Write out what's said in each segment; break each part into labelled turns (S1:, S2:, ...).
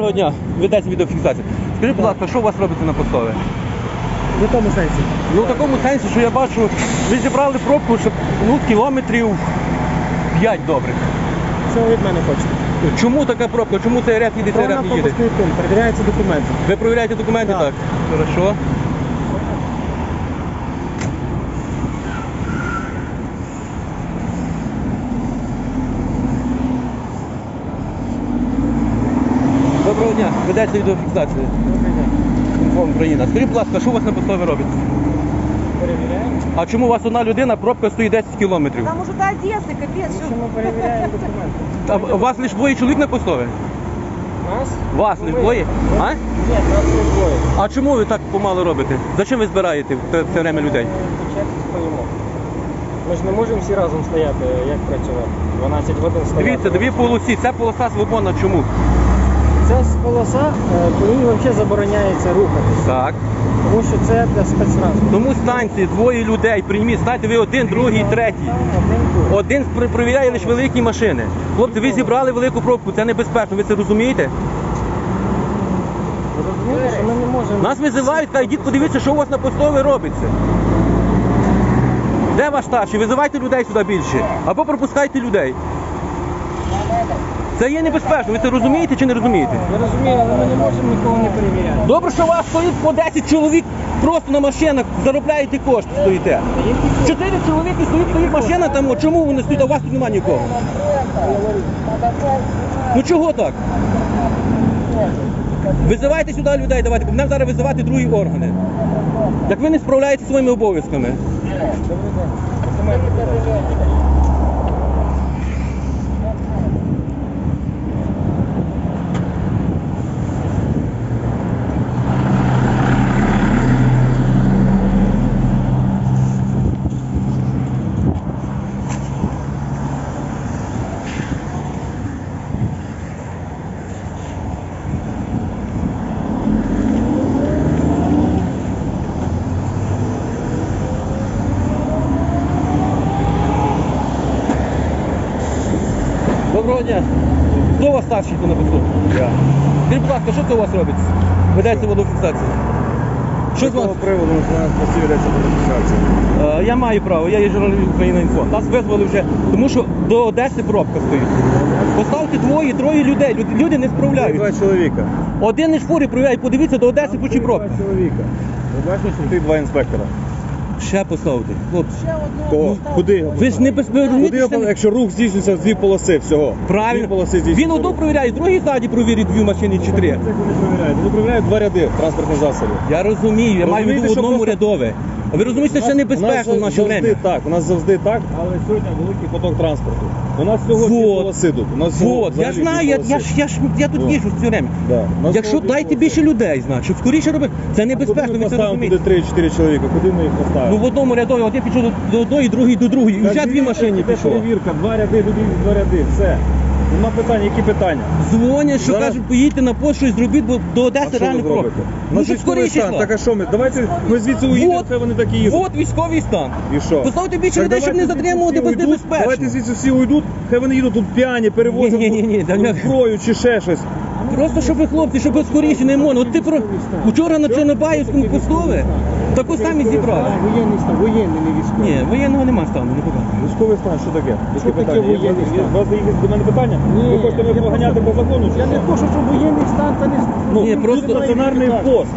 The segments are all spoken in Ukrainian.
S1: Доброго дня, ведеться відеофіксація. Скажіть, будь ласка, що у вас робиться на постові?
S2: В якому сенсі?
S1: Ну в такому сенсі, що я бачу, ви зібрали пробку, щоб кілометрів 5 добрих.
S2: Що ви від мене хочете?
S1: Чому така пробка? Чому цей ряд їде, цей ряд не їде?
S2: пропускний пункт, перевіряються документи.
S1: Ви перевіряєте документи?
S2: Так.
S1: Так. Хорошо. Доброго дня, ведеться відеофіксація.
S2: Добрий день.
S1: Інформ Україна. Скажіть, будь ласка, що у вас на постові робиться?
S2: Перевіряємо.
S1: А чому у вас одна людина, пробка стоїть 10 кілометрів?
S3: Там уже до Одессы, капец.
S2: Що ми перевіряємо документи?
S1: А у вас лише двоє чоловік на постові?
S2: Нас?
S1: Вас лише двоє? А?
S2: Ні, нас не двоє.
S1: А чому ви так помало робите? Зачем ви збираєте це время людей?
S2: По черзі стоїмо. Ми ж не можемо всі разом стояти, як працювати. 12 годин стояти.
S1: Дивіться, дві полосі, це полоса свободна. Чому?
S2: Це полоса, по ній взагалі забороняється рухатися.
S1: Так.
S2: Тому що це для спецтранспорту.
S1: Тому станції, двоє людей, прийміть, станьте ви один, другий, третій.
S2: Один тут.
S1: Один перевіряє лише великі машини. Хлопці, ви зібрали велику пробку, це небезпечно, ви це розумієте?
S2: Ви розумієте, що ми не можемо...
S1: Нас визивають, кажуть, йдіть подивіться, що у вас на постові робиться. Де ваш старший? Визивайте людей сюди більше. Або пропускайте людей. Це є небезпечно, ви це розумієте чи не розумієте?
S2: Я розумію, але ми не можемо нікого не перевіряти.
S1: Добре, що у вас стоїть по 10 чоловік просто на машинах, заробляєте кошти, стоїте. 4 чоловіки стоїть машина там, от чому вони стоять, а у вас тут немає нікого? Ну чого так? Визивайте сюди людей, давайте, бо нам зараз визивати другі органи. Як ви не справляєтеся своїми обов'язками?
S2: Добрий день.
S1: Доброго дня. Хто у вас старший на посту?
S4: Я.
S1: Скажіть, будь ласка, що це у вас робиться? Ведеться водофіксація. Що з
S4: З
S1: вас?
S4: того приводу національна постійно йдеться водофіксація.
S1: Я маю право, я є журналіст Україна Інфо. Нас визвали вже, тому що до Одеси пробка стоїть. Поставте двоє, троє людей, люди не справляються.
S4: Два чоловіка.
S1: Один із фурі провіряє, подивіться до Одеси, почі пробка.
S4: Два чоловіка. Ви бачите, що тут два інспектора.
S1: Ще поставте, хлопці.
S4: Кого? Куди?
S1: Ви ж не безпечно.
S4: Куди, якщо рух здійснюється з дві полоси всього? Дві
S1: Правильно.
S4: полоси
S1: Він
S4: здійснюється
S1: одну
S4: рух.
S1: провіряє, другий ззаді провірить дві машини чи три.
S4: Це вони перевіряють. Вони перевіряють два ряди транспортних засобів.
S1: Я розумію, я маю в
S4: Розумієте,
S1: виду в
S4: що
S1: одному
S4: просто-
S1: рядове. А ви розумієте, що це небезпечно в наше
S4: завжди
S1: время?
S4: так, у нас завжди так, але сьогодні великий поток транспорту. У нас всього дві
S1: Вот.
S4: полоси тут. У нас всього
S1: Вот, я
S4: взагалі
S1: знаю,
S4: дві
S1: я тут
S4: Вот.
S1: їжджу все время.
S4: Да. У нас
S1: Якщо
S4: всього дві
S1: дайте
S4: полоси.
S1: більше людей, значить, щоб скоріше робити. Це небезпечно,
S4: Куди ми
S1: ви це
S4: поставимо туди
S1: розумієте.
S4: 3-4 чоловіка? Куди ми їх
S1: Ну
S4: поставимо?
S1: в одному рядові, от я пішов до одної, другий до другої. І вже дві машини
S4: Це
S1: пішло.
S4: перевірка, два ряди, люди, два ряди, все. Нема питань, які питання?
S1: Дзвонять, що
S4: Зараз-
S1: кажуть, поїдьте на пошту і зробіть, бо до
S4: А
S1: Одеси
S4: що ви
S1: реально пробка.
S4: зробите?
S1: Ну щоб
S4: військовий
S1: скоріше
S4: стан,
S1: йшла.
S4: так а що ми? Давайте ми звідси уїдемо, хай вони так і їздять.
S1: От військовий стан.
S4: І що?
S1: Поставте більше
S4: Так
S1: людей, щоб не
S4: давайте звідси
S1: затримувати,
S4: всі
S1: бо
S4: уйдуть,
S1: небезпечно.
S4: Давайте звідси всі уйдуть, хай вони їдуть тут п'яні, перевозять
S1: Ні,
S4: зброю чи ще щось.
S1: Просто щоб ви хлопці, щоб ви скоріше не можна. От ти про вчора на Чорнобаївському постові таку самі зібрали.
S2: Воєнний стан, воєнний, не військовий.
S1: Ні, воєнного нема стану, не показує.
S4: Військовий стан, що таке?
S2: Що
S4: Які
S2: таке
S4: питання?
S2: воєнний стан?
S4: У вас є до мене питання?
S2: Ні,
S4: Ви хочете мене
S2: я
S4: поганяти по закону? чи
S2: Я не
S4: що?
S2: хочу, щоб воєнний стан та не...
S4: Ну,
S1: Ні,
S4: тут
S1: просто-
S4: стаціонарний пост,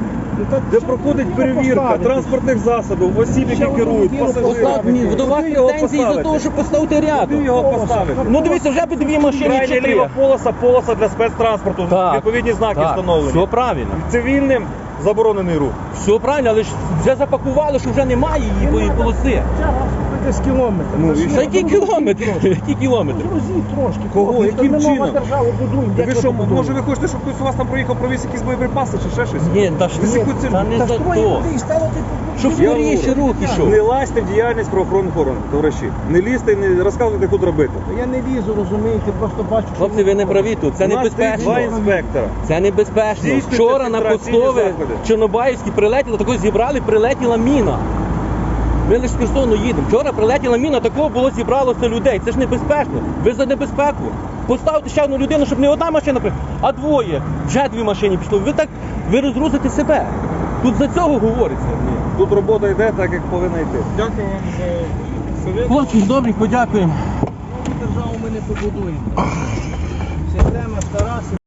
S4: де проходить перевірка транспортних засобів, осіб, які керують, пасажирів.
S1: До вас
S4: Куди його
S1: претензії за
S4: поставити?
S1: того, що поставити
S4: Куди
S1: рядом.
S4: його поставити?
S1: Ну дивіться, вже б дві машини
S4: Крайня
S1: чи три.
S4: ліва полоса для спецтранспорту. Відповідні знаки встановлені.
S1: Все правильно.
S4: Цивільним заборонений рух.
S1: Все правильно, але ж вже запакували, що вже немає її бо і полоси.
S2: Десь кілометр.
S4: Ну, і
S1: Та які кілометри? Які кілометри?
S2: Грузіть трошки.
S4: Кого?
S2: хлопці,
S4: Яким
S2: ми нова
S4: чином?
S2: державу будуємо.
S4: Ви
S2: як
S4: що,
S2: будуємо?
S4: може ви хочете, щоб хтось у вас там проїхав, провіз якісь боєприпаси чи ще щось?
S1: Ні, та ж
S4: Ви яку це-
S1: та не
S2: Та
S1: за
S2: строїть
S1: то.
S2: туди і ставити
S1: Щоб
S4: Я
S1: скоріше
S4: говорю,
S1: рух ішов.
S4: Не лазьте в діяльність правоохоронних органів, товариші. Не лізьте і не розказуйте, як тут робити.
S2: Я не лізу, розумієте, просто бачу, що...
S1: Хлопці, ви не праві тут, це
S4: У нас стоїть
S1: небезпечно.
S4: два інспектора.
S1: Це небезпечно.
S4: Здійснюйте
S1: Вчора на
S4: фільтраційні
S1: постове
S4: заходи.
S1: Чорнобаївській прилетіло, такої зібрали, прилетіла міна. Ми лише з Херсону їдемо. Вчора прилетіла міна, такого було зібралося людей. Це ж небезпечно. Ви за небезпеку. Поставте ще одну людину, щоб не одна машина приїхала, а двоє. Вже дві машини пішло. Ви розгрузите себе. Тут за цього говориться.
S4: Тут робота йде так, як повинна йти.
S2: Дякую вам за совет.
S1: Хлопці, добренько, дякуємо.
S3: Державу ми не побудуємо. Система стара.